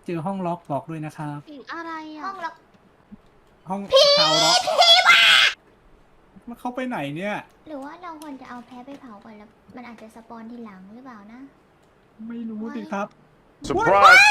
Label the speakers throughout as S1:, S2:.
S1: เจอห้องล็อกบอกด้วยนะครับ
S2: เสียงอะไรอ่ะ
S3: ห้องล็อก
S1: ห้องชาวล็อกมันเข้าไปไหนเนี่ย
S3: หรือว่าเราควรจะเอาแพ้ไปเผาก่อนแล้วมันอาจจะสปอนทีหลังหรือเปล่านะ
S1: ไม่รู้สิครับ
S4: Surprise!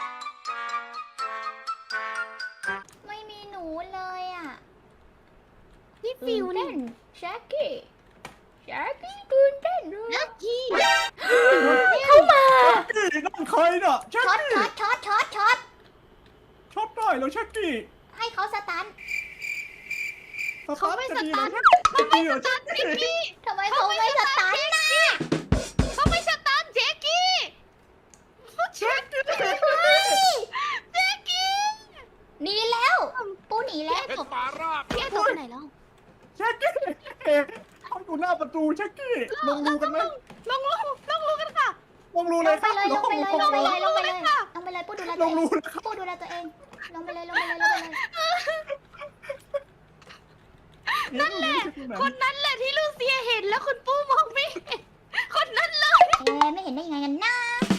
S3: ไม่มีหนูเลยอ่ะ
S2: นี่ฟิว
S3: เต้
S2: นี่
S3: นแช็กกี้ตื่นเต้นเลย
S2: นักกี้
S3: เข้ามา
S1: นี่น้องใครเนาะชัก
S3: ช็อต
S1: กี้
S3: ช็อตช็อตช็อตช็อต
S1: ช็อตได้แล้วชักกี้
S3: ให้เขาสตัน
S2: เขาไม่สตาร์ท
S1: ชักกี้เหรอชัก
S2: เจ๊
S1: กี้
S2: กี้
S3: ทำไมเขาไม่สตันนะ
S2: เขาไม่สตาร์ทเจ๊กี้เจ๊กี้เจ๊กี้
S3: หนีแล้ว ปูหนีแล้ว
S2: พี่ไอ้ตัวไปไหนแล้ว
S1: ชักกี้ห้องอยู่หน้าประตูชักกี้ลงรูกันไหม
S2: ลงกันค่ะ
S1: ลงรู
S3: ล
S1: เลย
S3: ง
S1: ค
S3: ไป
S1: รับ
S3: เลยลงไปเลยลงไปเลยลงไปเลย
S2: ค่ะ
S3: ลงไปเลยปูดูแล
S1: ล
S3: ตัว
S1: ง
S3: เอ
S1: รู
S3: ง
S1: นะครับ
S3: ปูดูแลตัวเองลงไปเลยลงไปเลยลงไปเลย
S1: นั่นแหละ
S2: คนนั้นแหละที่ลูเซียเห็นแล้วคุณปู้มองไม่เห็นคนนั้นเลย
S3: ไม่เห็นได้ยังไงกันนะ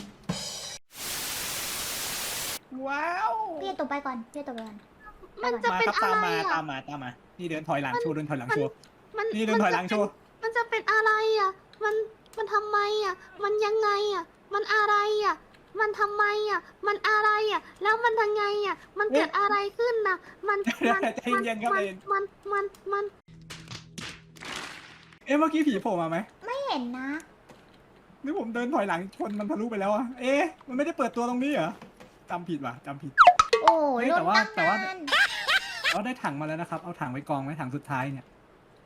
S1: ว้าว
S3: พี่ตัวไปก่อนพี่ตัวไปก่อน
S2: มันจะ
S1: มา
S2: เป็น
S1: ครับ
S2: อะไร
S1: ตาม
S2: อ่ะ
S1: มานี่เดินถอยหลังโชว์เดินถอยหลังโชว์
S2: มัน
S1: นี่เดินถอยหลังโชว์
S2: มันจะเป็นอะไรอ่ะ มันทำไมอ่ะ มันยังไงอ่ะ มันอะไรอ่ะ มันทำไมอ่ะ มันอะไรอ่ะ แล้วมันยังไงอ่ะ มันเกิดอะไรขึ้นน่ะ มัน
S1: ใจเย็นครับใจเย็น
S2: มัน
S1: เอ๊ะเมื่อกี้ผีโผล่มาไหม
S3: ไม่เห็นนะ
S1: นี่ผมเดินถอยหลังชนมันทะลุไปแล้วอะเอ๊ะมันไม่ได้เปิดตัวตรงนี้เหรอจำผิดว่ะจำผิด
S3: โอ้
S1: เฮ้ย
S3: ลุ้
S1: แต่
S3: น
S1: ว่า
S3: ตั้ง
S1: แต่ว่า
S3: นาน
S1: เราได้ถังมาแล้วนะครับเอาถังไว้กองไว้ถังสุดท้ายเนี่ย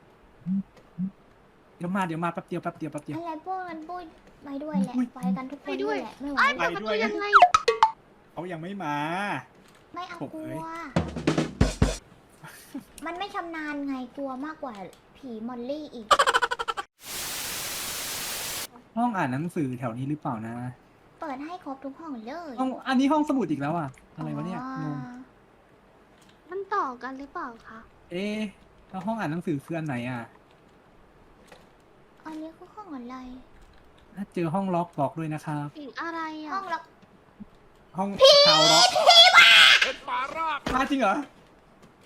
S1: เดี๋ยวมาแป๊บเดียว
S3: อะไรพวกนั้นพูดไปด้วยแหละ
S1: อุ๊ย
S3: ไปกันทุกคนด้วยแหละไม่ไหว
S2: ไอ้เปิดประตูยังไง
S1: เขายังไม่มา
S3: ไม่เอา
S1: ผม
S3: กลั
S1: เอ้
S3: วย มันไม่ชำนาญไงกลัวมากกว่าผีมอลลี่อีก
S1: ห้องอ่านหนังสือแถวนี้หรือเปล่านะ
S3: เปิดให้ครบทุกห้องเลย
S1: ห้องอันนี้ห้องสมุดอีกแล้วอะอะไรวะเนี่ยงง
S2: มันต่อกันหรือเปล่าคะ
S1: เอ๊ะแล้วห้องอ่านหนังสือคืออันไหนอะ
S3: อันนี้คือห้องอะไร
S1: ถ้าเจอห้องล็อกบอกด้วยนะครับ
S2: เสียงอะไร
S3: ห้
S2: อ่ะ
S3: องล็อก
S1: ห้องชาวล็อกมาจริงเหรอ
S3: ผี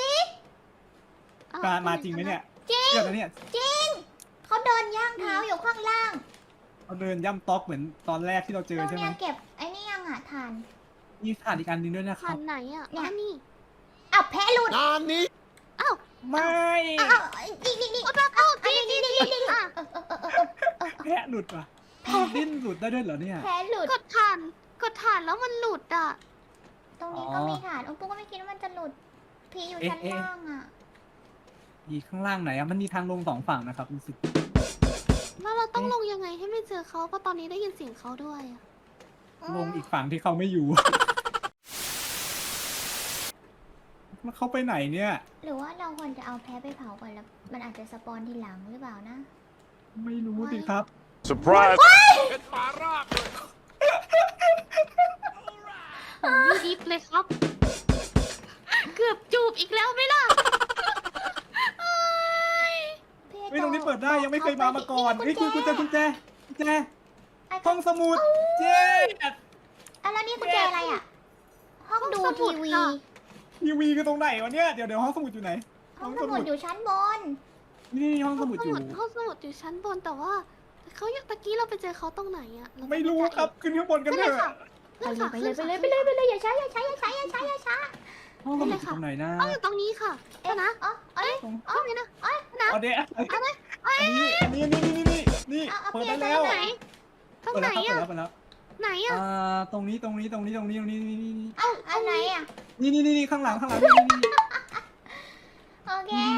S1: มาจริงไหมเนี่ย
S3: จริง
S1: เดี๋ยวนะเนี่ย
S3: จริงเขาเดินย่างเท้าอยู่ข้างล่าง
S1: เราเดินย่ำต๊อกเหมือนตอนแรกที่เราเจ
S3: ต
S1: อ
S3: รง
S1: ใช่ไหม
S3: เนี้ยเก็บไอ้นี่ยังอ่ะทาน
S1: มีถ่านอีกอันหนึงด้วยนะค
S2: ผ่า
S1: รับ
S2: นไหนอ่ะ
S3: เนี่ย
S2: อันนี้
S3: อ้าวแพะหลุด
S2: อ้าว
S1: ไม่
S3: อ้าวนี่
S2: อ่ะ
S1: แพะหลุดว่ะดิ้นหลุดได้ด้วยเหรอเนี่ย
S3: แพะหลุด
S2: กดถ่านแล้วมันหลุดอ่ะ
S3: ตรงนี้ก็มีฐานโอ้ปุ๊กก็ไม่คิดว่ามันจะหลุดผีอยู่ชั้นล่างอ่ะ
S1: อีข้างล่างไหนอะมันมีทางลงสองฝั่งนะครับรู้สึก
S2: แล้วเราต้องลงยังไงให้ไม่เจอเขาเพราะตอนนี้ได้ยินเสียงเขาด้วยอ่ะ
S1: ลงอีกฝั่งที่เขาไม่อยู่ มันเข้าไปไหนเนี่ย
S3: หรือว่าเราควรจะเอาแพ้ไปเผาก่อนแล้วมันอาจจะสปอนทีหลังหรือเปล่านะ
S1: ไม่รู้สิครับ
S4: Surprise!
S2: โอ้ยดิฟเลยครับ เกือบจูบอีกแล้วไหมล่ะเอ้ย
S1: เฮ้ยตรงนี้เปิดได้ยังไม่เคยมาก่อนเฮ้ยกุญแจห้องสมุดเจ๊
S3: อ่ะแล้วนี่กุญแจอะไรอ่ะ ห้องดูทีวี
S1: ทีวีคือตรงไหนวะเนี่ยเดี๋ยวห้องสมุดอยู่ไหน
S3: ห้องสมุดอยู่ชั้นบน
S1: นี่ห้องสมุดอยู่
S2: ห้องสมุดอยู่ชั้นบนแต่ว่าเขาตะกี้เราไปเจอเขาตรงไหนอะเา
S1: ไม่รู้ครับขึ้นข้างบนกัน
S2: ขึ้น
S1: เถ
S2: เลย
S1: อะ
S2: ค่ะ
S3: ไปเลยอย่าช้าอย่าช้า
S1: ห้องสมุดอยู่ตรงไหนนะ
S2: ต้องอยู่ตรงนี้ค่ะ
S3: เอ๊ะ
S2: นะ
S3: อ๋อเอ้ย
S2: ตรงนี้นะนะ
S1: เอาเดี๋ยวนี่เปิดได้แล้ว
S2: ไหนตรงไหนอะ
S1: เปิดแล้ว
S2: ไหนอะ
S1: ตรงนี้นี่
S3: เอ้าอันไหนอ่ะ
S1: นี่ข้างหลัง
S3: โอเค